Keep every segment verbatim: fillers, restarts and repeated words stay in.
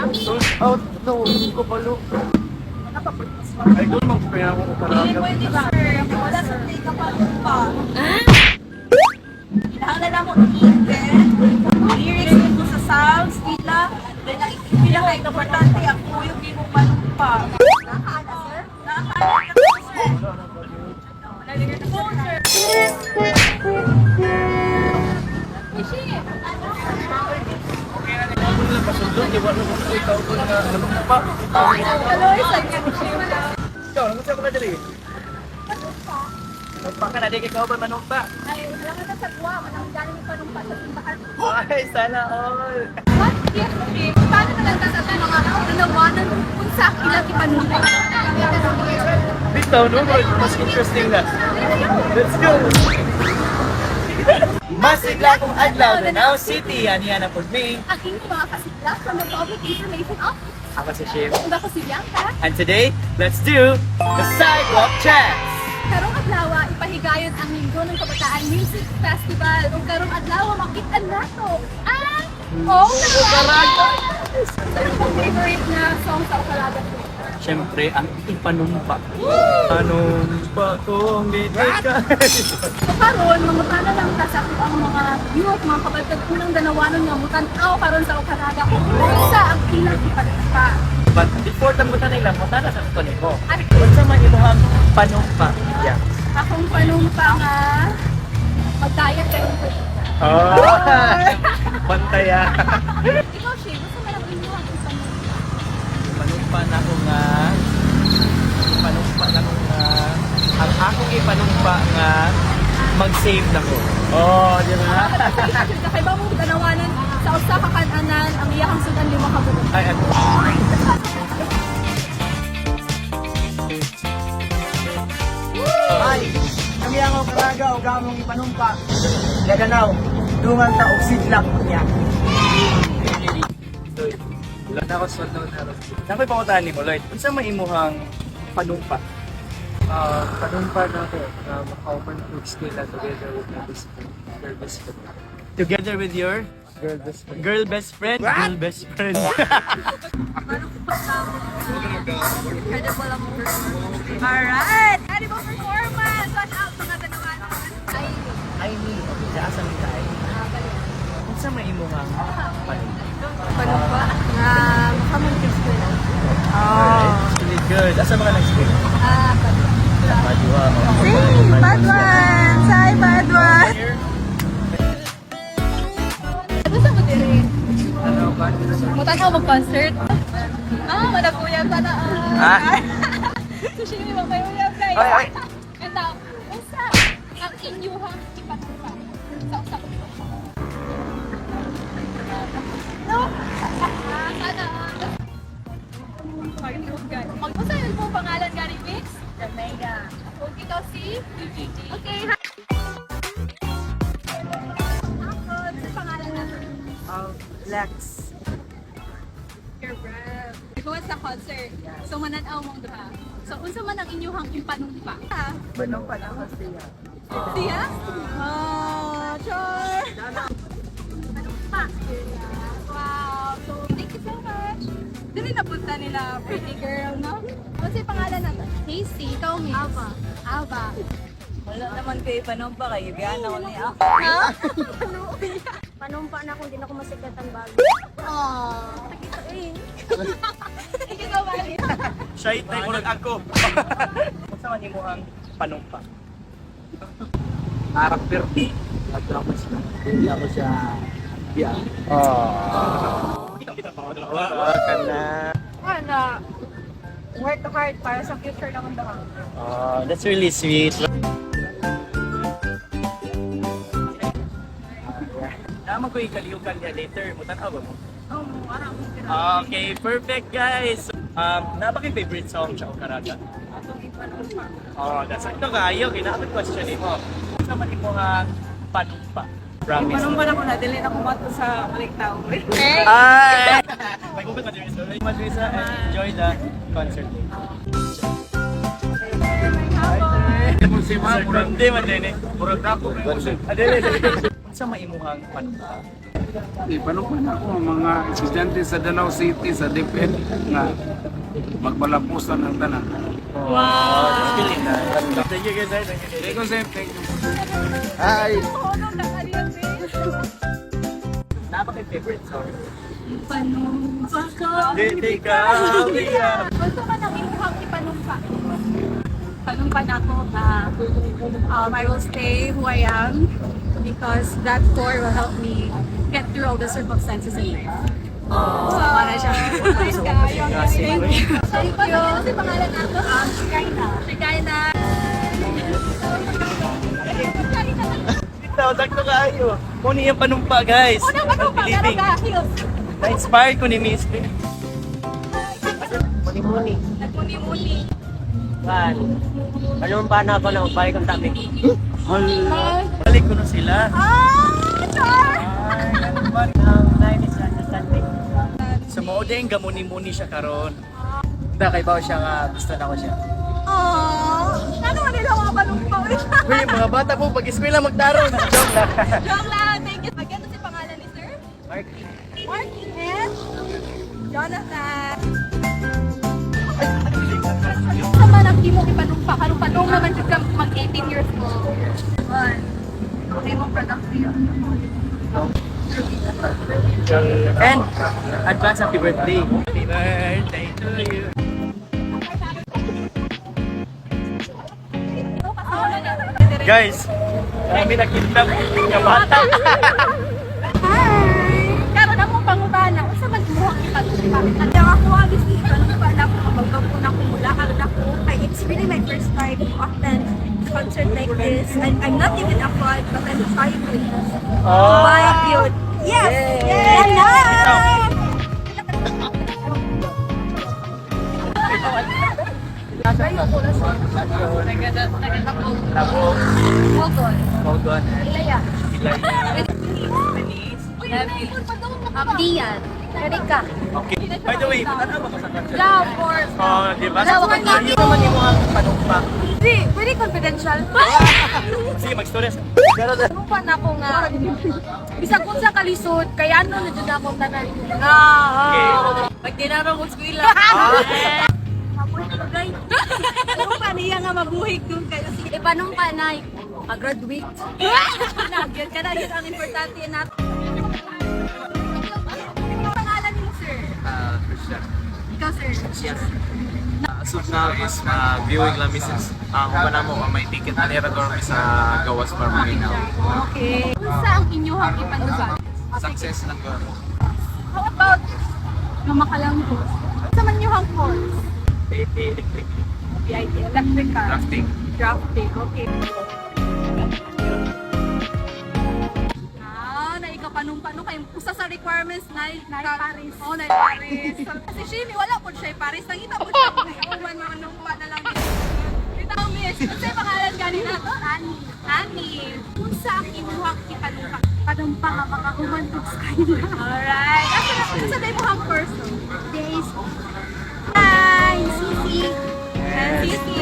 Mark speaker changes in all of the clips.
Speaker 1: Sold out na ulit ko palo. Ay, doon mag-pray ako ko
Speaker 2: Hindi
Speaker 1: talaga.
Speaker 2: pwede sir. Wala sa take ka pa pa. Hinahala mo i-event. Lyrics mo sa sounds, tila. Then ang pinaka-importante, ang kuyog di mo panumpa. Nakakaana sir? Nakakaana ka sir. Wala din yung phone sir. Ishi!
Speaker 1: Ako nila pasundot, di ba nung kung ikaw ko na ano pa?
Speaker 2: Hello, isang Ishi.
Speaker 1: Ikaw, ano siya ko na dali? Magpaka na di ikaw ba manumpa?
Speaker 2: Ay, wala ka na sa buwa. Manang galing yung panumpa sa simbahan.
Speaker 1: Ay, sana all!
Speaker 2: What if, if, paano na lang sa mga nanawanan kung sa ilang ipanumpa?
Speaker 1: Bitaw, no? Mas interesting na. Let's go! Masigla kong adlaw, Danao City, anihan na po me.
Speaker 2: Aking mga kasigla from the Public Information Office.
Speaker 1: Ako si Shim.
Speaker 2: Kung ako si Bianca,
Speaker 1: And today, let's do the Sidewalk Chats!
Speaker 2: karong adlaw ipahigayon ang Linggo ng Kabataan Music Festival. Kung karong adlaw makita nato ang Oh
Speaker 1: Okaraga!
Speaker 2: Ano pong favorite na song sa Okaraga?
Speaker 1: Siyempre, ang ipanumpa. Panumpa kong bibigay.
Speaker 2: So karon mangutana lang ta sa ang mga youth, mga kabalkad unang danawanon nga mutan-aw karon sa Okaraga kung unsa ang ilang ipanumpa.
Speaker 1: But before tamutan nila, mutana sa ito nito. Kung sa mga imuhang panumpa. Yeah.
Speaker 2: Akong panumpa nga mag-diet kayo ko.
Speaker 1: Oh! Pantaya.
Speaker 2: Ikaw, Shay, gusto mo lang inyo ang panumpa?
Speaker 1: Panumpa na ko nga. Panumpa na ko nga. Ang akong ipanumpa nga, mag-save na ko. Oh, di ba?
Speaker 2: Kaya ba mo danawanan sa usa ka kananan ang iyahang sudan lima ka bulan.
Speaker 1: Ay, ano?
Speaker 3: Ay, kami ang Okaraga o gamong ipanumpa. Gaganaw, dungan ta og sidlak niya.
Speaker 1: Lloyd, wala na ako sa loan na rin. Nakoy pangutaan ni mo, Lloyd. Kung saan maimuhang panumpa?
Speaker 4: Uh, panumpa na ko na maka-open food skill na together with my best friend, girl best friend.
Speaker 1: Together with your
Speaker 4: Girl best friend.
Speaker 1: girl best friend? Girl best friend.
Speaker 2: Incredible ang performance. Alright! Incredible performance! Watch out mga danawanan. Ay,
Speaker 1: Ay, ni. Okay, sa asa nila ay. Kung saan maimuhang panumpa?
Speaker 2: panumpa nga makamuntis ko na.
Speaker 1: Alright, really good. Asa mga nag-speak?
Speaker 2: Ah, panumpa.
Speaker 1: Padua.
Speaker 2: Hey, bad ones! Hi, bad ones! Gusto mo din
Speaker 4: Ano ba?
Speaker 2: Mutan ako mag-concert? Ah, managuyab ka na.
Speaker 1: Ah.
Speaker 2: So, siya yung magmayuyab kayo.
Speaker 1: Ay, ay.
Speaker 2: Ito, usa ang inyuhang ipatumpa sa usa ko. No? Ah, sana. Mag-usa yun po pangalan Gary Mix? Jamaica. Kung ikaw si? Okay, hi. Ako, ano pangalan natin?
Speaker 3: Um, Lex.
Speaker 2: Your brand. Ikaw sa concert. So mananaw mong duha. So unsa man ang inyuhang impanumpa? Ah,
Speaker 3: Panumpa na ko siya.
Speaker 2: siya? Ah, sure. Panumpa. Wow. So thank you so much. Dili napunta nila pretty girl, no? Ano yung pangalan nato? Casey. Ikaw, Miss? Ava. Ava.
Speaker 5: Wala naman kayo panumpa kayo. Biyan ako niya.
Speaker 2: Ha?
Speaker 6: Panumpa na kung di na ako masikat ang bago.
Speaker 2: Aww. Nakita eh. Ikaw ba?
Speaker 1: Shy tayo ko ako. Kung saan maimuhang panumpa?
Speaker 4: Character. At ako siya. Hindi ako siya. Yeah.
Speaker 1: Wala ka na.
Speaker 2: Ano? Work hard para sa future naman daw.
Speaker 1: Oh, that's really sweet. Naman ko ikaliukan niya later. Mutanaw ba mo?
Speaker 2: Oh, parang
Speaker 1: Okay, perfect guys. Um, napaka favorite song sa Okaraga. Oh, that's ito kayo. Kinakamit question ni mo. Sa man mo nga panumpa. Promise.
Speaker 5: Panumpa na ko na. Dili na kumato sa balik tao.
Speaker 1: Hi! May kupit Madrisa. Madrisa and enjoy the concert.
Speaker 4: Si Ma, murag
Speaker 1: Hindi man din eh.
Speaker 4: murag dako kay mo siya.
Speaker 1: Adele. Sa maimuhang panumpa.
Speaker 7: Di panupan ako ang mga estudyante sa Danau City sa DepEd nga magbalapusan ng tanan.
Speaker 1: Wow! That's really nice. Thank you guys. Thank you.
Speaker 7: Thank you, sir. Thank you.
Speaker 3: Hi!
Speaker 2: Tulong na kaniya, sis.
Speaker 1: Napaka favorite song.
Speaker 2: Panumpa ka.
Speaker 1: Hindi ka umiyak.
Speaker 2: Gusto ka nang imuhang ipanumpa. Panumpa na ako na um, I will stay who I am because that core will help me get through all the circumstances in life. Oh, para siya. Thank you. Thank you. Thank you. Ano si pangalan nato? Um, Shikaina. Shikaina.
Speaker 1: Ito, sakto kayo. Kung yung panumpa, guys.
Speaker 2: Una ba ito? Pagkaro ka, Hills?
Speaker 1: Na-inspire ko ni Miss Lee.
Speaker 3: Muni-muni.
Speaker 2: Nagmuni-muni.
Speaker 3: Kan. Anong pa na ako na upay kong tabi?
Speaker 1: Balik ko na sila.
Speaker 2: Ah! Char!
Speaker 3: Ang nineties understanding.
Speaker 1: So, mo din, gamuni-muni siya karon. Hindi, kay Bao siya nga, gusto na ko siya.
Speaker 2: Aww! Ano man nila mga balumpa?
Speaker 1: Uy, mga bata po, pag-eskwela magtarong. Joke lang.
Speaker 2: Joke lang, thank you. Magkano si pangalan ni sir?
Speaker 1: Mark.
Speaker 2: Mark and Jonathan. Sa manang di mo ipanumpa, karong panong naman siya mag eighteen years old. Man, okay mong productive.
Speaker 1: And, advance happy birthday. Happy birthday to you. Guys, kami nakita ng bata.
Speaker 2: Hi! Karon na mong pangutana, unsa man mo ang ipanumpa? At ang ako agis ni ipanumpa na ako mabagab ko na ko mula karon ako. Kay it's really my first time to attend a concert like this. And I'm not even a fan, but I'm trying to witness.
Speaker 1: Oh.
Speaker 2: Why cute? Yes! Yes! Ayun ko na siya. Nagkatapog.
Speaker 1: Tapos,
Speaker 2: Hold on.
Speaker 1: hold on.
Speaker 2: Ilaya.
Speaker 1: Ilay.
Speaker 2: Abdian. Erika.
Speaker 1: Okay. By the way, ano ba ka sa concert?
Speaker 2: Yeah, of course.
Speaker 1: Oh, di ba?
Speaker 2: Wala,
Speaker 1: Sa
Speaker 2: wala.
Speaker 1: concert, ito man yung mga panumpa.
Speaker 2: Hindi, very confidential.
Speaker 1: Sige, mag-story.
Speaker 2: Pero ano pa na ako nga, bisag kung sa kalisod, kaya ano na dyan ako tanan. Nga,
Speaker 1: Okay.
Speaker 2: pag dinarong ko skwila. Mabuhay ko guys. Anong pa niya nga mabuhay ko kayo? Sige, paano pa na mag-graduate? Nagyan ka na, yun ang importante natin. Ang pangalan niyo, sir?
Speaker 4: Ah, Christian.
Speaker 2: Ikaw, sir?
Speaker 4: Yes. Asod na is uh, viewing lang misses. Ang uh, mo may ticket na nira doon sa gawas para maginaw.
Speaker 2: Okay. Unsa ang inyong ipanugan?
Speaker 4: Success lang ko.
Speaker 2: How about ng makalambo? Unsa man inyong course?
Speaker 1: Electric.
Speaker 2: P I T, electrical.
Speaker 4: Drafting.
Speaker 2: Drafting, okay. Ah, na ikaw panung-pano kayo. Usa sa requirements na na Paris. Oh, na Paris. Kasi Shimi, wala po siya Paris. Nangita po siya. Uman mo nung pa na lang. Ito, miss. Unsa yung pangalan kanina to? Ani. Ani. Unsa ang imuhang ipanumpa? Panumpa nga mga human books kayo. Alright. Asa na po sa imuhang person? Days. Hi, Sisi. Sisi.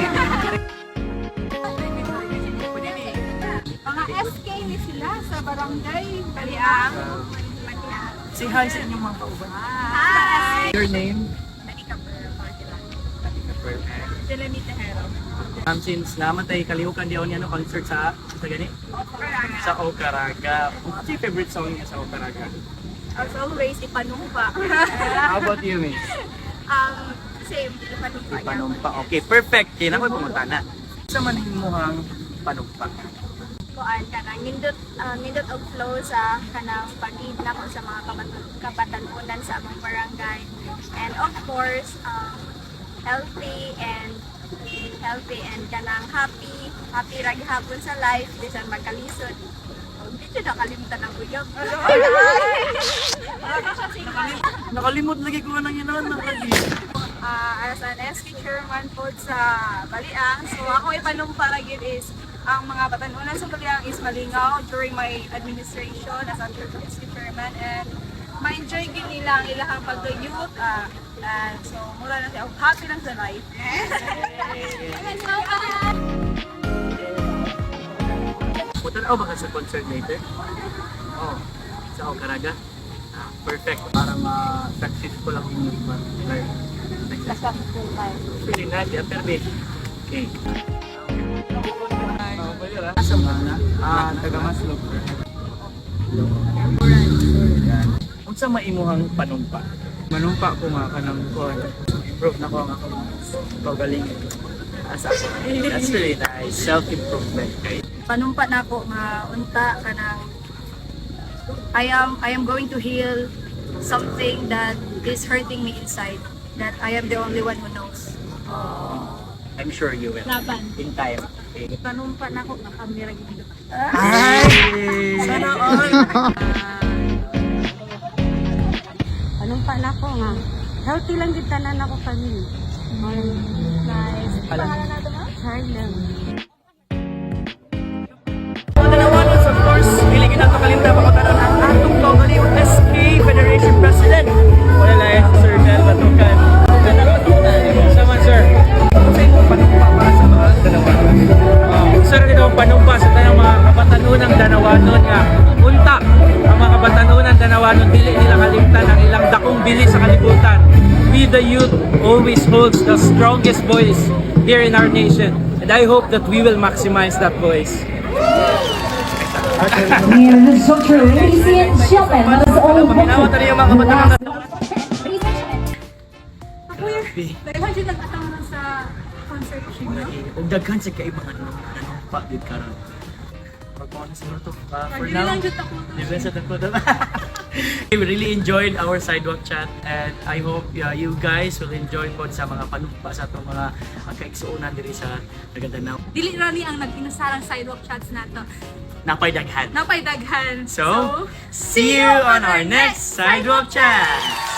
Speaker 2: Mga S K ni sila sa barangay Baliang.
Speaker 1: Say hi sa inyong mga kauban.
Speaker 2: Hi.
Speaker 1: Your name?
Speaker 2: Manika Pearl. Jelemy Tejero.
Speaker 1: Um, since namatay, kalihukan di ako niya no concert sa sa gani? Sa Okaraga. What's your favorite song niya sa Okaraga?
Speaker 2: As always, ipanumpa.
Speaker 1: How about you, Miss?
Speaker 2: um, same, ipanumpa.
Speaker 1: Panumpa. Okay, perfect. Kaya na ko pumunta na. Sa manin mo ang panumpa.
Speaker 6: Kuan kanang nindot uh, nindot og flow sa kanang pag-idna ko sa mga kabat- kabatanunan sa among barangay. And of course, um, healthy and healthy and kanang happy, happy rag hapon sa life bisan magkalisod. Hindi siya nakalimutan ang uyab.
Speaker 1: Nakalimot lagi ko nang yun lagi.
Speaker 2: uh, as an S K chairman po sa Baliang. So ako ipanumpa lagi is ang mga batanunan sa Baliang is malingaw during my administration as a S K chairman, and ma-enjoy gid nila ang ilahang pag-youth. Uh, and so mura na siya, happy lang sa life.
Speaker 1: Punta na ako baka sa concert later? Oh. sa Okaraga. Ah, perfect. Para ma-successful ang inyong life.
Speaker 2: Successful life.
Speaker 1: Really nice, yeah, perfect. Okay.
Speaker 3: Asa mo na? Ah, taga Maslog.
Speaker 1: Unsa maimuhang panumpa?
Speaker 3: Manumpa ko nga ka ng kon. Improve na ko ang akong pagalingan.
Speaker 1: Asa ako? That's really nice. Self-improvement. Okay.
Speaker 6: Panumpa na ako nga unta kanang I am I am going to heal something that is hurting me inside, that I am the only one who knows.
Speaker 1: I'm sure you will.
Speaker 2: Laban.
Speaker 1: In time. Okay.
Speaker 2: Panumpa na ako, nakamira gito.
Speaker 1: Ay! Sana all!
Speaker 2: Panumpa na ako nga. Healthy lang din tanan ako kami. Nice. Pangalan natin mo? Harlem.
Speaker 1: Dalawanos, of course, hiligin ang kakalimta pakatanan ang atong kaugali o S K Federation President. Wala lang si Sir Mel Batukan. Sama, sir. Ano sa inyo panumpa para sa mga dalawanon? Uh, sir, ito ang panumpa sa tayong mga kabatanunang danawanon nga. Unta, ang mga kabatanunang danawanon, dili nila kalimtan ang ilang dakong bili sa kalibutan. We the youth always holds the strongest voice here in our nation. And I hope that we will maximize that voice.
Speaker 8: Yeah, that's so true. Ladies and gentlemen, let us all
Speaker 1: Paminawa tayo yung mga kabatanunang
Speaker 2: Dahil siya nag-atang na sa concert siya, no?
Speaker 1: Kung daghan sa kayo mga nanumpa din karon. Pagkawa na siguro to. Uh, for
Speaker 2: Hindi
Speaker 1: now,
Speaker 2: lang dyan ako.
Speaker 1: libre sa tagpo na. We really enjoyed our sidewalk chat and I hope uh, you guys will enjoy po sa mga panumpa sa itong mga uh, kaiksuunan diri sa Nagandanaw.
Speaker 2: Dili rani ang nag-inasarang sidewalk chats nato.
Speaker 1: Napay daghan.
Speaker 2: Napay daghan.
Speaker 1: So, see you on our next sidewalk chat!